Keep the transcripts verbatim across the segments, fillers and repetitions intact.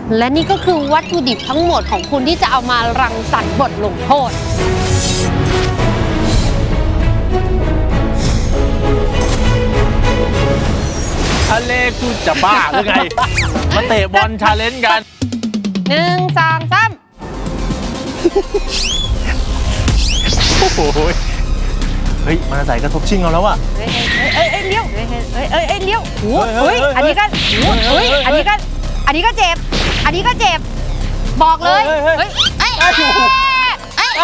และนี่ก็คือวัตถุดิบทั้งหมดของคุณที่จะเอามารังสรรค์บทลงโทษทะเลกูจะบ้าหรือไง มาเตะบอลชาเลนจ์กันหนึ่งสองสามโอ้โหเฮ้ยมันใส่กระทบชิงเราแล้วอะเฮ้ยเอ้ยเอ้ยเลี้ยวเฮ้ยเอ้ยเอ้ยเอ้ยเลี้ยวโอ้ยเฮ้ยอันนี้ก็โอ้ยอันนี้ก็อันนี้ก็เจ็บอันนี้ก็เจ็บบอกเลยเฮ้ยเอ้ยเอ้ยเอ้ย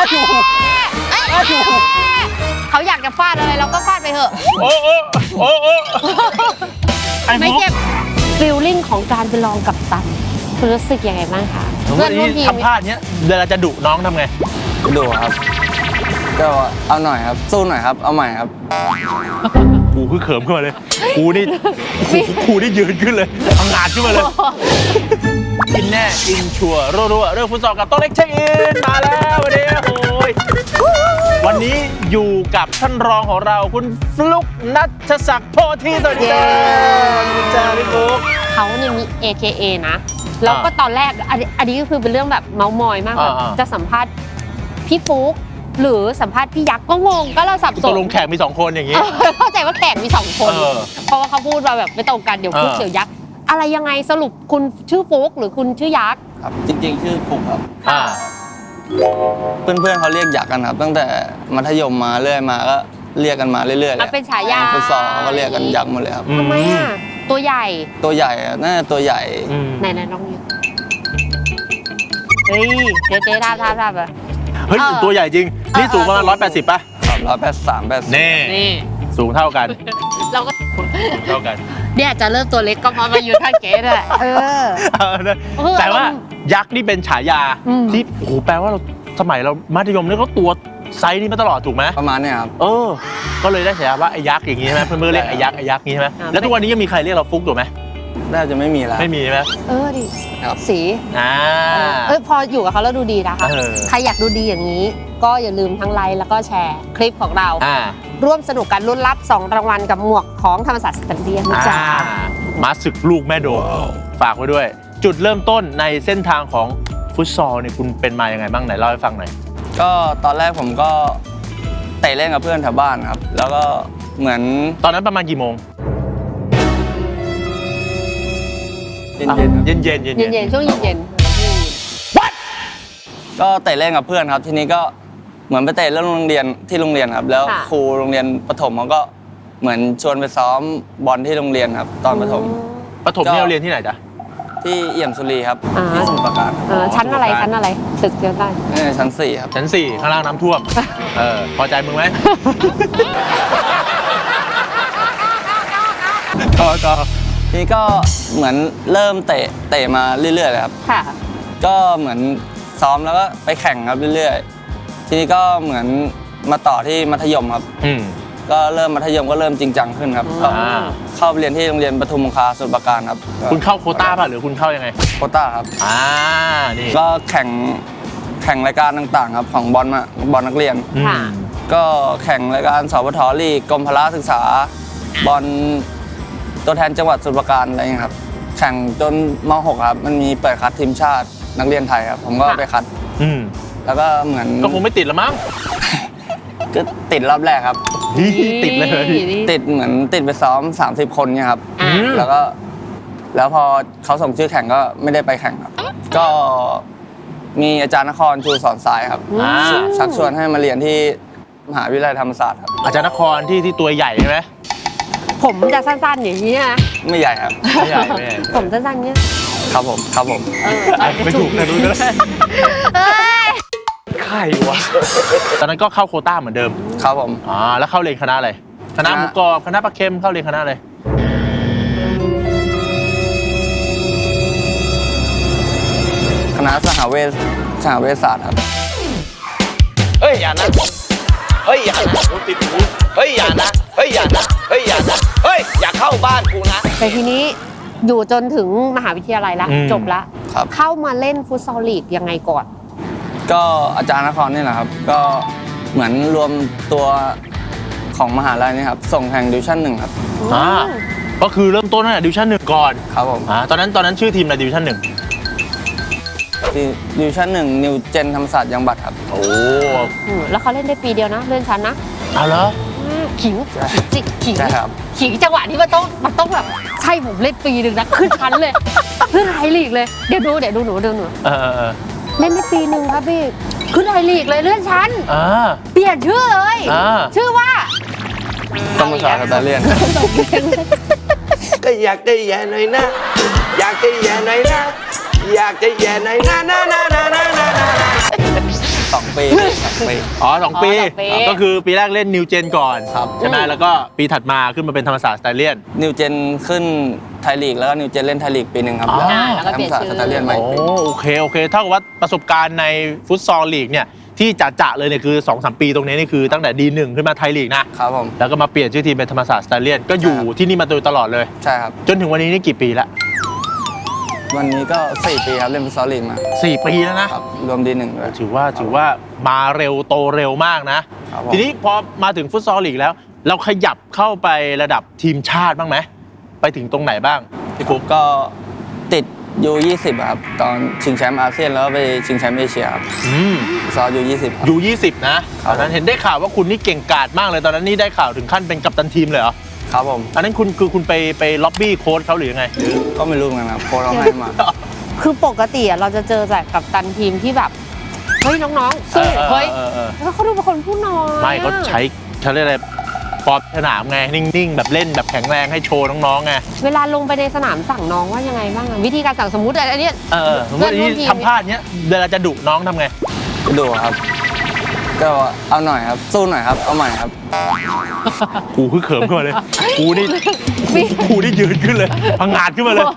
เขาอยากจะฟาดอะไรเราก็ฟาดไปเถอะโอ้โอ้โอ้โอ้ไม่เจ็บฟีลลิ่งของการไปลองกับตันคุณรู้สึกยังไงบ้างคะเพื่อนร่วมทีมทำพลาดเนี้ยเวลาจะดุน้องทำไงดุครับก็เอาหน่อยครับสู้หน่อยครับเอาใหม่ครับกูคือเขิมขึ้นมาเลยกูนี่กูนี่ยืนขึ้นเลยทำงานขึ้นมาเลยอินแน่อินชัวร์รัวๆเรื่องฟุตซอลกับโต๊ะเล็กเช็คอินมาแล้ววันนี้โอ้ยวันนี้อยู่กับท่านรองของเราคุณฟลุกณัฐศักดิ์โพธิสวัสดีคุณจ้าพี่ฟลุกเขาเนี่ยมี เอ เค เอ นะแล้วก็ตอนแรกอันนี้ก็คือเป็นเรื่องแบบเมาส์มอยมากแบบจะสัมภาษณ์พี่ฟลุกหรือสัมภาษณ์พี่ยักษ์ก็งงก็เราสับสนตกลงแขกมีสองคนอย่างนี้เข้าใจว่าแขกมีสองคนเพราะว่าเขาพูดมาแบบไม่ตรงกันเดี๋ยวฟลุกเดี๋ยวยักษ์อะไรยังไงสรุปคุณชื่อฟลุกหรือคุณชื่อยักษ์ครับจริงๆชื่อฟลุกครับเพื่อนๆเขาเรียกยักษ์กันครับตั้งแต่มัธยมมาเรื่อยมาก็เรียกกันมาเรื่อยๆเลยเป็นฉายาฟุตซอลก็เรียกกันยักษ์หมดเลยครับทำไมอ่ะตัวใหญ่ตัวใหญ่น่าจะตัวใหญ่ไหนๆลองดูเฮ้ยเจ๊เจ๊ท่าท่าท่าแบบเฮ้ยตัวใหญ่จริงนี่สูงประมาณร้อยแปดสิบป่ะครับร้อยแปดสิบสามแปดสิบนี่สูงเท่ากันเราก็เท่ากันเนี่ยจะเริ่มตัวเล็กก็เพราะมาอยู่ท่าเก๋ด้วยเออแต่ว่ายักษ์นี่เป็นฉายาที่โอ้โหแปลว่าเราสมัยเรามัธยมนี่ก็ตัวไซส์นี้มาตลอดถูกไหมประมาณนี้ครับเออก็เลยได้ฉายาว่าไอ้ยักษ์อย่างงี้ใช่ไหมเพื่อนๆเรียกไอ้ยักษ์ไอ้ยักษ์นี้ใช่ไหมแล้วทุกวันนี้ยังมีใครเรียกเราฟุกอยู่ไหมน่าจะไม่มีแล้วไม่มีใช่ไหมเออดิสีอ่าเออพออยู่กับเขาแล้วดูดีนะคะใครอยากดูดีอย่างนี้ก็อย่าลืมทั้งไลค์แล้วก็แชร์คลิปของเราร่วมสนุกกันลุ้นรับสองรางวัลกับหมวกของธรรมศาสตร์สแตนเดียนนะจ๊ะมาศึกลูกแม่โดมฝากไว้ด้วยจุดเริ่มต้นในเส้นทางของฟุตซอลเนี่ยคุณเป็นมายังไงบ้างไหนเล่าให้ฟังหน่อยก็ตอนแรกผมก็เตะเล่นกับเพื่อนแถวบ้านครับแล้วก็เหมือนตอนนั้นประมาณกี่โมงเย็นเย็นเย็นเย็นเย็นเย็นช่วงเย็นเย็นก็เตะเล่นกับเพื่อนครับทีนี้ก็เหมือนไปเตะเล่นโรงเรียนที่โรงเรียนครับแล้วครูโรงเรียนประถมเขาก็เหมือนชวนไปซ้อมบอลที่โรงเรียนครับตอนประถมประถมนี่เราเรียนที่ไหนจ๊ะที่เอี่ยมสุรีครับที่สมุทรปราการชั้นอะไรชั้นอะไรตึกเดียวกันชั้นสี่ครับชั้นสี่ข้างล่างน้ำท่วมเออพอใจมึงไหมก็ก็ทีนี้ก็เหมือนเริ่มเตะเตะมาเรื่อยๆเลยครับค่ะก็เหมือนซ้อมแล้วก็ไปแข่งครับเรื่อยๆทีนี้ก็เหมือนมาต่อที่มัธยมครับก็เริ่มมัธยมก็เริ่มจริงจังขึ้นครับก็เข้าไปเรียนที่โรงเรียนปทุมคงคาสมุทรปราการครับคุณเข้าโควต้าป่ะหรือคุณเข้ายังไงโควต้าครับอ่านี่ก็แข่งแข่งรายการต่างๆครับของบอลมาบอลนักเรียนก็แข่งรายการสปท.ลีกกรมพละศึกษาบอลตัวแทนจังหวัดสมุทรปราการอะไรอย่างเงี้ยครับแข่งจนม หกครับมันมีเปิดคัดทีมชาตินักเรียนไทยครับผมก็ไปคัดแล้วก็เหมือนก็คงไม่ติดละมั้งก็ติดรอบแรกครับติดเลยติดเหมือนติดไปซ้อมสามสิบคนเนี่ยครับแล้วก็แล้วพอเขาส่งชื่อแข่งก็ไม่ได้ไปแข่งครับก็มีอาจารย์นครชูสอนสายครับชักชวนให้มาเรียนที่มหาวิทยาลัยธรรมศาสตร์ครับอาจารย์นครที่ที่ตัวใหญ่ใช่ไหมผมจะสั้นๆอย่างนี้นะไม่ใหญ่ครับไม่ใหญ่ไม่ผมสั้นๆเนี้ยครับผมครับผมไม่ถูกนะรู้นะใครวะตอนนั้นก็เข้าโควต้าเหมือนเดิมครับผมอ๋อแล้วเข้าเรียนคณะอะไรคณะหมูกรอบคณะปลาเค็มเข้าเรียนคณะอะไรคณะสหเวชสหเวชศาสตร์ครับเฮ้ยอย่านะเฮ้ยอย่านะติดหูเฮ้ยอย่านะเฮ้ยอย่านะเฮ้ยอย่านะเฮ้ยอย่าเข้าบ้านกูนะแต่ทีนี้อยู่จนถึงมหาวิทยาลัยแล้วจบละเข้ามาเล่นฟุตซอลลีกยังไงก่อนก็อาจารย์นครนี่แหละครับก็เหมือนรวมตัวของมหาลัยนี่ครับส่งแข่งดิวิชั่นหนึ่งครับอ่าก็คือเริ่มต้นตั้งแต่ดิวิชั่นหนึ่งก่อนครับผมอ่าตอนนั้นตอนนั้นชื่อทีมอะไรดิวิชั่นหนึ่งดิวิชั่นหนึ่งนิวเจนธรรมศาสตร์ยังบัตรครับโอ้อืมแล้วเขาเล่นได้ปีเดียวนะเลื่อนชั้นนะเอาเหรออืมขิงจิกขิงใช่ครับขิงจังหวะนี้มันต้องมันต้องแบบใช่ผมเล่นปีหนึ่งนะขึ้นชั้นเลยขึ้นไทยลีกเลยเดี๋ยวดูเดี๋ยวดูหนูดูหนูเออเออเออเล่นได้ปีหนึ่งครับพี่ขึ้นไทยลีกเลยเลื่อนชั้นอ่าเปลี่ยนชื่อเลยอ่าชื่อว่าธรรมศาสตร์สแตเลียนก็อยากจะแย่หน่อยนะ อยากจะแย่หน่อยนะ อยากจะแย่หน่อยนะนะนะนะนะนะนะสองปีสองปีอ๋อสองปีอ๋อสองปีก็คือปีแรกเล่นนิวเจนก่อนครับใช่ไหมแล้วก็ปีถัดมาขึ้นมาเป็นธรรมศาสตร์สไตเลียนนิวเจนขึ้นไทยลีกแล้วก็นิวเจนเล่นไทยลีกปีหนึ่งครับอ๋อแล้วธรรมศาสตร์สแตเลียนใหม่โอ้ปีโอเคโอเคเท่ากับว่าประสบการณ์ในฟุตซอลลีกเนี่ยที่จะๆเลยเนี่ยคือ สองสาม ปีตรงนี้นี่คือตั้งแต่ ดี หนึ่ง ขึ้นมาไทยลีกนะครับผมแล้วก็มาเปลี่ยนชื่อทีมเป็นธรรมศาสตร์สไตเลียนก็อยู่ใช่ครับที่นี่มาโดยตลอดเลยใช่ครับจนถึงวันนี้นี่กี่ปีละวันนี้ก็สี่ปีครับเล่นฟุตซอลลีกมาสี่ปีแล้วนะครับรวมดีหนึ่งด้วยถือว่าถือว่ามาเร็วโตเร็วมากนะครับผมทีนี้พอมาถึงฟุตซอลลีกแล้ว เราขยับเข้าไประดับทีมชาติบ้างไหมไปถึงตรงไหนบ้างพี่ฟุ๊กก็ติดยูยี่สิบครับตอนชิงแชมป์อาเซียนแล้วก็ไปชิงแชมป์เอเชียครับอืมฟุตซอลยูยี่สิบยูยี่สิบนะตอนนั้นเห็นได้ข่าวว่าคุณนี่เก่งกาจมากเลยตอนนั้นนี่ได้ข่าวถึงขั้นเป็นกัปตันทีมเลยเหรอครับผมอันนั้นคุณคือคุณไปไปล็อบบี้โค้ชเขาหรือยังไงหรือก็ไม่รู้เหมือนกันครับโค้ชเราให้มาคือปกติอะเราจะเจอแต่กับตันทีมที่แบบเฮ้ยน้องๆสู้เฮ้ยออออแล้วเขาดูเป็นคนพูดน้อยไม่เขาใช้เขาเรียกอะไรฟอร์มสนามไงนิ่งๆแบบเล่นแบบแข็งแรงให้โชว์น้องๆไงเวลาลงไปในสนามสั่งน้องว่ายังไงบ้างอะวิธีการสั่งสมมุติอันเนี้ยเออสมมติที่ทำพลาดเนี้ยเวลาจะดุน้องทำไงดูครับ ก็เอาหน่อยครับ สู้หน่อยครับ เอาใหม่ครับกูคือเขิมขึ้นมาเลย กูนี่กูนี่ยืนขึ้นเลยพังงาดขึ้นมาเลย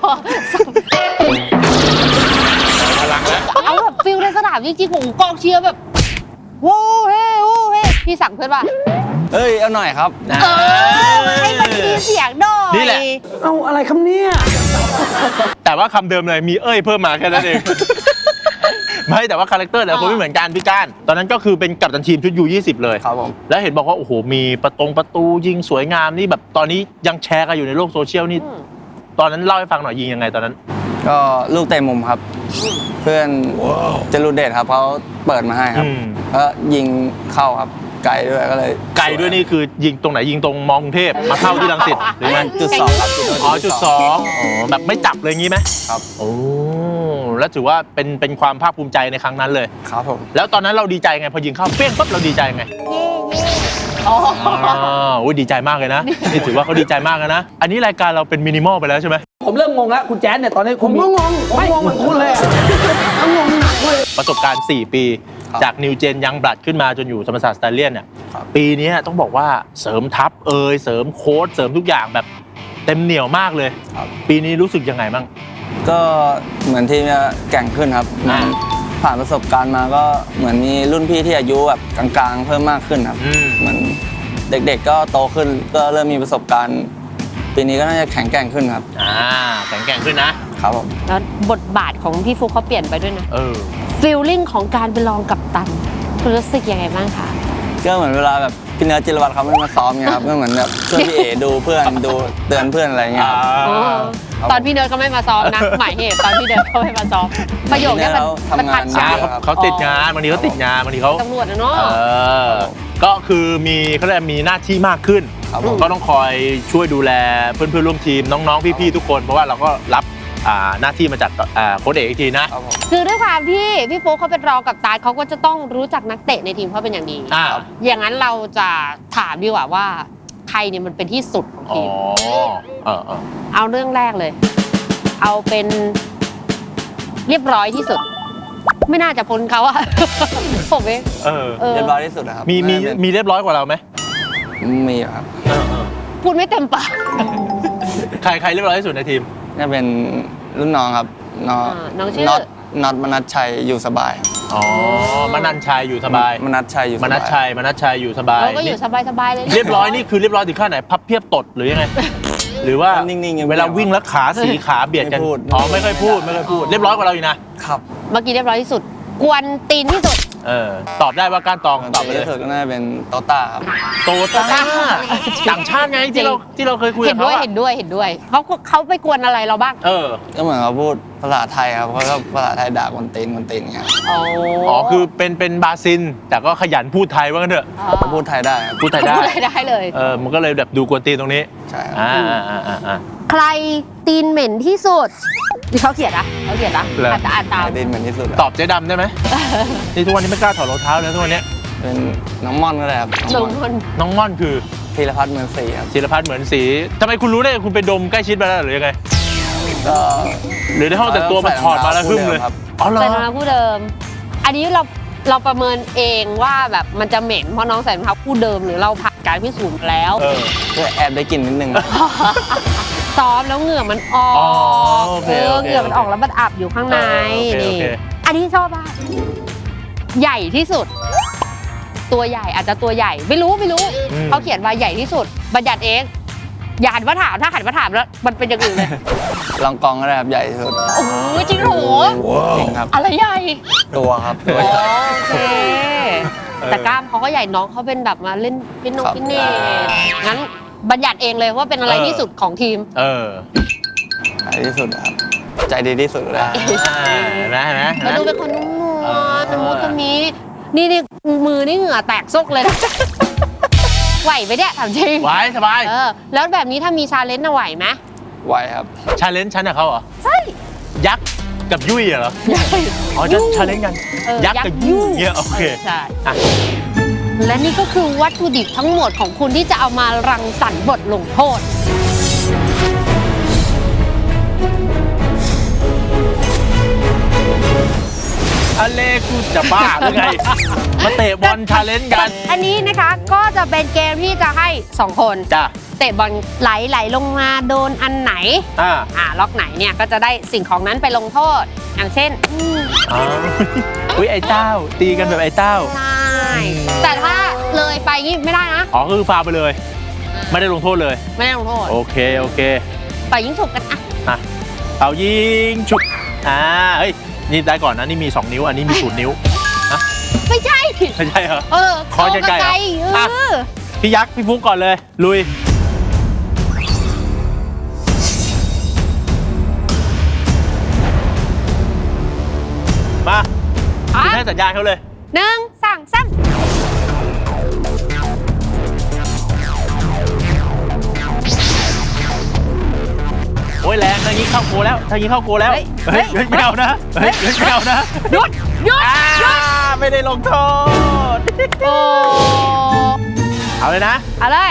พลังแล้วเอาแบบฟิลในสนามจริงๆของกองเชียร์แบบโว้เฮ้โว้เฮ้พี่สั่งเพื่อนว่าเอ้ย เอาหน่อยครับเออให้มันมีเสียงหน่อยนี่แหละเอาอะไรคำเนี้ยแต่ว่าคำเดิมเลยมีเอ้ยเพิ่มมาแค่นั้นเอง ไม่แต่ว่าคาแรคเตอร์แต่ละคนไม่เหมือนกันพี่ก้านตอนนั้นก็คือเป็นกัปตันทีมชุดยูยี่สิบเลยครับผมแล้วเห็นบอกว่าโอ้โหมีประตงประตูยิงสวยงามนี่แบบตอนนี้ยังแชร์กันอยู่ในโลกโซเชียลนี่ตอนนั้นเล่าให้ฟังหน่อยยิงยังไงตอนนั้นก็ลูกเตะมุมครับ เพื่อนจรูเดชครับเขาเปิดมาให้ครับอืมแล้วยิงเข้าครับ ไกลด้วยก็เลยไกลด้วยนี่คือยิงตรงไหนยิงตรงมอกรุงเทพมาเข้าที่รังสิตหรือไงจุดสองครับอ๋อจุดสองอ๋อแบบไม่จับเลยงี้ไหมครับโอ้แล้วถือว่าเป็นเป็นความภาคภูมิใจในครั้งนั้นเลยครับผมแล้วตอนนั้นเราดีใจไงพอยิงเข้าเปี้ยงปั๊บเราดีใจไงอ๋ออ๋อโอ้ยดีใจมากเลยนะนี่ถือว่าเขาดีใจมากเลยนะ อันนี้รายการเราเป็นมินิมอลไปแล้วใช่ไหมผมเริ่มงงแล้วคุณแจ๊ดเนี่ยตอนนี้ผมก็งงผมงงเหมือนคุณเลยผมงงหนักเลยประสบการณ์ สี่ ปีครับจากนิวเจนยังบลัดขึ้นมาจนอยู่ธรรมศาสตร์สไตเลียนเนี่ยครับปีนี้ต้องบอกว่าเสริมทัพเอยเสริมโค้ชเสริมทุกอย่างแบบเต็มเหนียวมากเลยครับปีนี้รู้สึกยังไงบ้างก็เหมือนทีมจะแกร่งขึ้นครับอ่าผ่านประสบการณ์มาก็เหมือนมีรุ่นพี่ที่อายุแบบกลางๆ เพิ่มมากขึ้นครับอืมเหมือนเด็กๆก็โตขึ้นก็เริ่มมีประสบการณ์ ปีนี้ก็น่าจะแข็งแกร่งขึ้นครับอ่าแข็งแกร่งขึ้นนะครับผมแล้วบทบาทของพี่ฟุกเขาเปลี่ยนไปด้วยนะเออฟีลลิ่งของการเป็นรองกัปตันคุณรู้สึกยังไงบ้างคะก็เหมือนเวลาแบบพี่เนื้อจิรวัตรเขาไม่มาซ้อมเงี้ยครับ ก็เหมือนแบบช่วยพี่เอดูเพื่อนดูเตือนเพื่อนอะไรเงี้ยครับอ๋อครับตอนพี่เนิร์ดก็ไม่มาซ้อมนะ หมายเหตุตอนพี่เนิร์ดก็ไม่มาซ้อมประโยคเนี้ยมันพี่เนิร์ดเขามันทัดทำงานใจอ่าเขาเขาติดงานบางทีเขาติดงานบางทีเขาตำรวจนะเนาะเออก็คือมีเขาเรียกมีหน้าที่มากขึ้นครับผมก็ต้องคอยช่วยดูแลเพื่อนๆร่วมทีมน้องๆพี่ๆทุกคน เพราะว่าเราก็รับอ่าหน้าที่มาจากอ่าโค้ชเอกอีกทีนะครับผมคือด้วยความที่พี่โป๊กเขาเป็นรองกัปตันเขาก็จะต้องรู้จักนักเตะในทีมเขาเป็นอย่างดีอ่าอย่างนั้นเราจะถามดีกว่าว่าใครเนี่ยมันเป็นที่สุดของอ๋อทีมเออเออเอาเรื่องแรกเลย เอาเป็นเรียบร้อยที่สุด ไม่น่าจะพ้นเขาอะ ผมเองเออเออเรียบร้อยที่สุดนะครับมีมีน่าจะเป็นมีเรียบร้อยกว่าเราไหมมีอยู่ครับเออเออพูดไม่เต็มปากใครใครเรียบร้อยที่สุดในทีมน่าเป็นรุ่นน้องครับน้องอ่าน้องชื่อน็อตน็อตมนัสชัยอยู่สบายอ๋อมนันชัยอยู่สบายมนัสชัยอยู่สมบายนัชชัยมนัชชัยอยู่สบายเราก็อยู่สบายๆเลยนะเรียบร้อยนี่คือเรียบร้อยถึงขั้นไหนพับเพียบตดหรือยังไง หรือว่านิ่งๆยังไม่เวลาวิ่งแล้วขาสีขาเบียดกันไม่พูดอ๋อไม่ค่อยพูดไม่ค่อยพูดเรียบร้อยกว่าเราอยู่นะครับเมื่อกี้เรียบร้อยที่สุด กวนตีนที่สุดเออตอบได้ว่าก้านตองตอบไปดีเลยที่สุดก็น่าจะเป็นโตต้าครับโตต้าต่างชาติไงที่เราที่เราเคยคุยเห็กับนด้เขาวยอะเห็นด้วยเห็นด้วยเขาเขาไปกวนอะไรเราบ้างเออก็เหมือนเขาพูดภาษาไทยครับเขาก็ภาษาไทยด่าคนตีนคนตีนอย่างเงี้ยอ๋ออ๋อคือเป็นเป็นบราซิลแต่ก็ขยันพูดไทยว่างั้นเถอะเขาพูดไทยได้ครับพูดไทยได้พูดอะไรได้เลยเออมันก็เลยแบบดูกวนตีนตรงนี้ใช่ครับอ่าอ่าอ่าอ่าใครตีนเหม็นที่สุดนี่เขาเขียนนะเขาเขียนนะเหรออ่านอ่านตามไทยดินเหมือนที่สุดตอบเจ๊ดำได้ไหม นี่ทุกวันนี้ไม่กล้าถอดรองเท้าเลยทุกวันนี้เป็นน้องม่อนก็ได้ครับหน้นึ่องงม่อนคนน้องม่อนคือธีรพัฒน์เหมือนสีครับศิลพัฒน์เหมือนสีทำไมคุณรู้ได้คุณไปดมใกล้ชิดมาแล้วหรือยังไงก็หรือในห้องแต่งตัวมันถอดมาแล้วหึ่มเลยครับอ๋อเหรอใส่รองเท้าคู่เดิม อันนี้เราเราประเมินเองว่าแบบมันจะเหม็นเพราะน้องใส่รองเท้าคู่เดิมหรือเราผ่านการพิสูจน์มาแล้วเออก็แอบได้กลิ่นนิดนึงซ้อมแล้วเหงื่อมันออกอ๋อโอเคเออโอเคเหงื่อมันออกแล้วมันอับอยู่ข้างในเออโอเคนี่โอเคอันนี้ชอบมากใหญ่ที่สุด ตัวใหญ่อาจจะตัวใหญ่ไม่รู้ไม่รู้อืมเขาเขียนว่าใหญ่ที่สุดบัญญัติเองอย่าหันมาถามถ้าหันมาถามแล้วมันเป็นอย่างอื่นเลยลองกองก็ได้ครับใหญ่ที่สุดโอ้โหจริงเหรอจริงครับอะไรใหญ่ตัวครับตัวอ๋อใหญ่โอเค แต่กล้ามเขาก็ใหญ่น้องเขาเป็นแบบมาเล่นฟิตนงครับฟิตเนสงั้นบัญญัติเองเลยว่าเป็นอะไรที่สุดของทีมเออใหญ่ที่สุดครับใจดีที่สุดเลยอ่าเห็นไหมเห็นไหมเห็นไหมมาดูเป็นคนนุ่มนวเออลตะมุตะมีนี่นี่มือนี่เหงื่อแตกซกเลยนะ ไหวไหมเนี่ยถามจริงไว้สบายเออแล้วแบบนี้ถ้ามีชาเลนจ์น่ะไหวไหมไวครับชาเลนจ์ฉันกับเขาเหรอใช่ยักษ์กับยุ่ยเหรอ อ๋อจะชาเลนจ์กันเออยักษ์กับยุ่ยเนี่ยโอเคใช่อ่ะและนี่ก็คือวัตถุดิบทั้งหมดของคุณที่จะเอามารังสรรค์บทลงโทษอเลกูจะบ้าหรือไง มาเตะบอลชาเลนจ์กันอันนี้นะคะก็จะเป็นเกมที่จะให้สองคนจ้ะเตะบอลไหลไหลลงมาโดนอันไหนอ่าอ่าล็อกไหนเนี่ยก็จะได้สิ่งของนั้นไปลงโทษ อย่างเช่นอืมอ๋ออุ้ยไอ้เต้า ตีกันแบบไอ้เต้าใช่แต่ถ้าเลยไปงี้ไม่ได้นะอ๋อคือฟาวไปเลย ไม่ได้ลงโทษเลยไม่ได้ลงโทษโอเค โอเคปล่อยยิงฉุบกันอ่ะอ่ะเอายิงฉุกอ่าเฮ้ย นี่ได้ก่อนนะ นี่มีสองนิ้ว อันนี้มีศูนย์นิ้วไม่ใช่ไม่ใช่เหรอเออขอใกล้ๆไกลเหรอๆเออ่ะอพี่ยักษ์ พี่ฟุกก่อนเลย ลุย มาอ่ะคุณให้สัญญาณเขาเลยหนึ่งสองสามโอ้ยแรงทางนี้เข้าโกแล้วทางนี้เข้าโกแล้วเฮ้ยเฮ้ยเฮ้ยไม่เอานะ เฮ้ยเฮ้ยไม่เอานะหยุดหยุดอ่าหยุดไม่ได้ลงโทษโอ้เอาเลยนะเอาเลย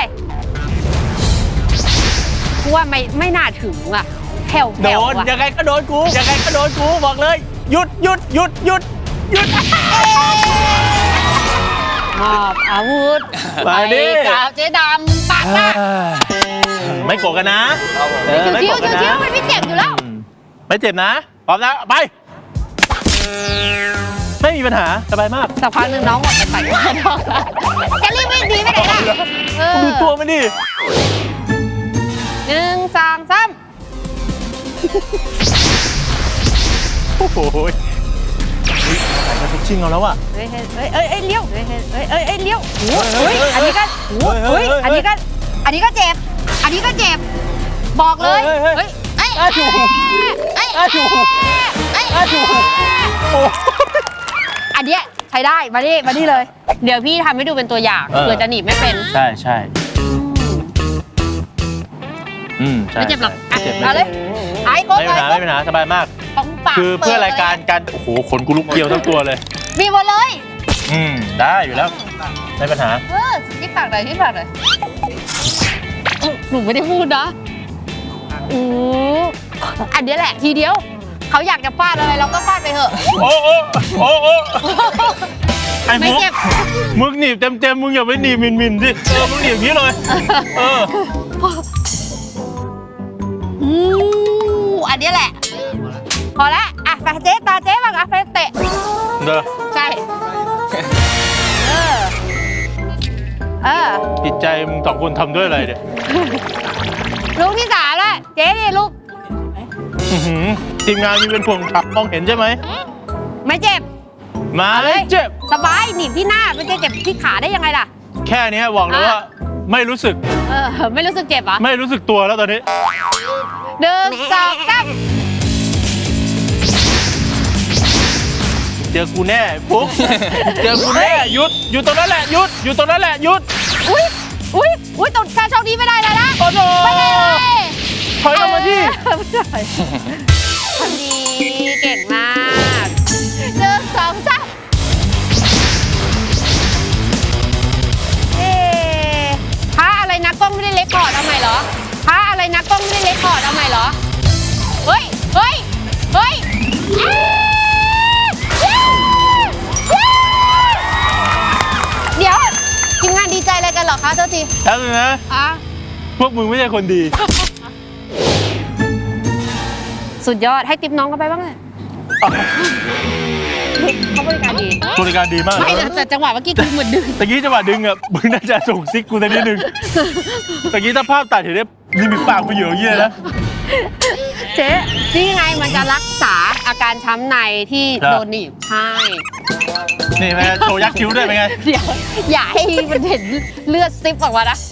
กูว่าไม่ไม่น่าถึงอ่ะแถวโดแถวน อ่ะยังไงก็โดนกู ยังไงก็โดนกู บอกเลย หยุดหยุดหยุดหยุดหยุดมอบอาวุธมาดิไปกับเจ๊ดำปากหน้าไม่โกรธกันนะเออไม่ชิโกวรธกันๆชิวนะๆมันไม่เจ็บอยู่แล้วอืมไม่เจ็บนะ พร้อมแล้ว ไป ไม่มีปัญหา สบายมากสักพักหนึ่งน้องหมดไปใส่ข้างนอกแล้วจะรีบวิ่งหนีไปไหนล่ะเออดูตัวมันดิหนึ่งสองสามโอ้โหยอุ๊ยไหนมาทุกชิงเอาแล้วอะเฮ้ยเฮ้ยเฮ้ยเอ้ยเอ้ยเลี้ยวเฮ้ยเฮ้ยเฮ้ยเอ้ยเอ้ยเลี้ยวโอ้โหเฮ้ยอันนี้ก็โอ้โหเฮ้เฮ้ยยเฮ้ยอันนี้ก็อันนี้ก็เจ็บ อันนี้ก็เจ็บ บอกเลยเฮ้ยเฮ้ยเฮ้เฮ้ยยเอ้ยอ้าวถูกเอ้ยอ้าวถูกเอ้ยอ้าวถูกโอ้อันเนี้ยใช้ได้มาดิมาดิเลย เดี๋ยวพี่ทำให้ดูเป็นตัวอย่างเออเผื่อจะหนีบไม่เป็นใช่ใช่อืมใช่ไม่เจ็บหรอกอ่ะไม่เจ็บไม่เอาเลเจ็ยบไอ้โก้ไม่มีปัญหาไม่มีปัญหาสบายมากของปากคือเพื่อปิดลรายการการโอ้โหขนกูลุกเกลียวทั้งตัวเลยมีหมดเลยอืมได้อยู่แล้วไม่ปัญหาเออที่ปากหน่อยที่ปากหน่อยหนูไม่ได้พูดนะโอ้อันเนี้ยแหละทีเดียว เขาอยากจะฟาดอะไรเราก็ฟาดไปเถอะโอ้โอ้โอ้โอ้ไอ้ไม่มุกเจ็บมึงหนีบเต็มเต็มๆมึงอย่าไปหนีบมินมินๆสิเออมึงหนีบอย่างนี้เลยเอออู้อันเนี้ยแหละ พอละอ่ะไปเจ๊ตาเจ๊บ้างอ่ะไปเตะเด้อใช่ เออ เออจิตใจมึงสองคนทำด้วยอะไรเนี่ยลูกที่สามแล้วเจ๊ดิลูกอื้อหือทีมงานมีเป็นพวงขับมองเห็นใช่ไหมไม่เจ็บมาเลยเจ็บสบายหนีบที่หน้าไม่ใช่เจ็บที่ขาได้ยังไงล่ะแค่นี้บอกเลยว่าไม่รู้สึกเออไม่รู้สึกเจ็บเหรอไม่รู้สึกตัวแล้วตอนนี้หนึ่งสองสามเจอกูแน่ปุ๊บเจอกูแน่หยุดอยู่ตรงนั้นแหละหยุดอยู่ตรงนั้นแหละหยุดอุ้ยอุ้ยอุ้ยตรงชาโชคดีไม่ได้เลยนะโอ้โหไม่ได้เลยถอยกลับมาที่ทำดีเก่งมากหนึ่งสองสามเอ๊ะพระอะไรนะกล้องไม่ได้เล็กคอร์ดเอาใหม่เหรอพระอะไรนะกล้องไม่ได้เล็กคอร์ดเอาใหม่เหรอเฮ้ยเฮ้ยเฮ้ยเอ๊ะเย้เย้เดี๋ยวทีมงานดีใจอะไรกันเหรอคะเจ้าจีแล้วเลยนะอ่ะพวกมึงไม่ใช่คนดีสุดยอดให้ติปน้องเขาไปบ้างเลยเขาบริการดีบริการดีมากไม่นะแต่จังหวะเมื่อกี้คือเหมือนดึงตะกี้จังหวะดึงอ่ะมึงน่าจะส่งซิกกูสักนิดนึงตะกี้ถ้าภาพตัดเห็นได้นี่มีปากกูอยู่อย่างเงี้ยนะเจ๊นี่ไงมันจะรักษาอาการช้ำในที่ครับโดนหนีบใช่นี่แม่โชว์ยักษ์คิ้วด้วยเป็นไงเดี๋ยวอย่าให้มันเห็นเลือดซิปออกมานะ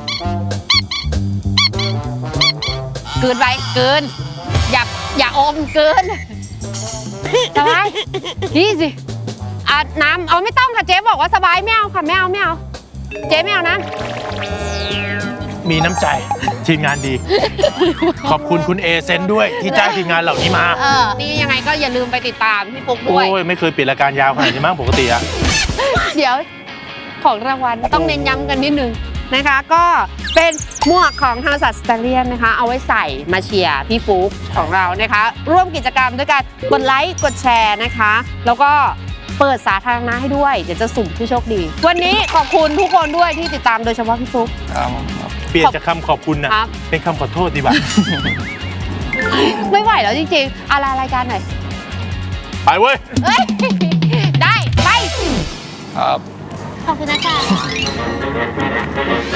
เกินไปเกินอย่าอย่าอมเกินสบายนี่สิอ่ะน้ำเอาไม่ต้องค่ะเจ๊บอกว่าสบายไม่เอาค่ะไม่เอาไม่เอาเจ๊ไม่เอานะมีน้ำใจทีมงานดี ขอบคุณคุณเอเซนด้วยที่จ้างทีมงานเหล่านี้มาเออนี่ยังไงก็อย่าลืมไปติดตามพี่ปุ๊กโอ้ด้วยยไม่เคยปิดรายการยาวขนาดนี้มั้งปกติอะเดี๋ยวของรางวัลต้องเน้นย้ำกันนิดนึงนะคะ ก็เป็นหมวกของทางสัตว์สเตเลียนนะคะ เอาไว้ใส่มาเชียร์พี่ฟุ๊กของเรานะคะ ร่วมกิจกรรมด้วยการกดไลค์กดแชร์นะคะ แล้วก็เปิดสาธารณะให้ด้วย เดี๋ยวจะสุ่มผู้โชคดี วันนี้ขอบคุณทุกคนด้วยที่ติดตามโดยเฉพาะพี่ฟุ๊กครับผมครับเปลี่ยนจากคำขอบคุณนะครับ เป็นคำขอโทษดีกว่าไม่ไหวแล้วจริงๆอะไรรายการหน่อยไปเว้ยเอ้ยได้ไปครับขอบคุณนะคะ